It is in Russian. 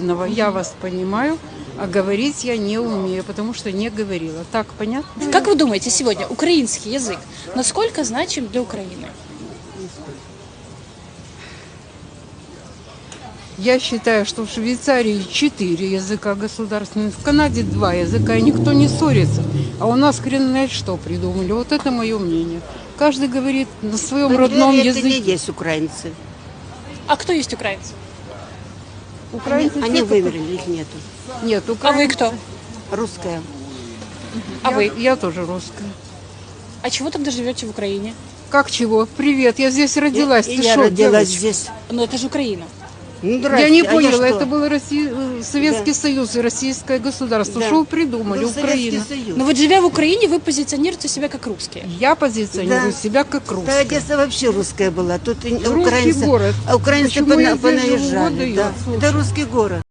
негативного. Я вас понимаю, а говорить я не умею, потому что не говорила. Так, понятно? Как вы думаете, сегодня украинский язык насколько значим для Украины? Я считаю, что в Швейцарии 4 языка государственных, в Канаде 2 языка, и никто не ссорится. А у нас хрен знает что придумали. Вот это мое мнение. Каждый говорит на своем родном Это не языке. есть украинцы. А кто есть украинцы? Украинцы Они те, кто- вымерли, их нету. Нет, А вы украинцы. кто? Русская. А вы? Я тоже русская. А чего тогда живете в Украине? Как чего? Привет, я здесь родилась. И Ты я шо, родилась девочка? здесь. Ну это же Украина. Ну, Я здрасте, не а поняла, что? это был Советский Союз и Российское государство. Да. Что вы придумали? Был Советский Украина. Союз. Но вот живя в Украине, вы позиционируете себя как русские. Я позиционирую Да. себя как Да, русская. Одесса вообще русская была. Тут и Русский украинцы, город. а украинцы Почему я здесь живу? понаезжали. Вот Да. дает, слушай. Это русский город.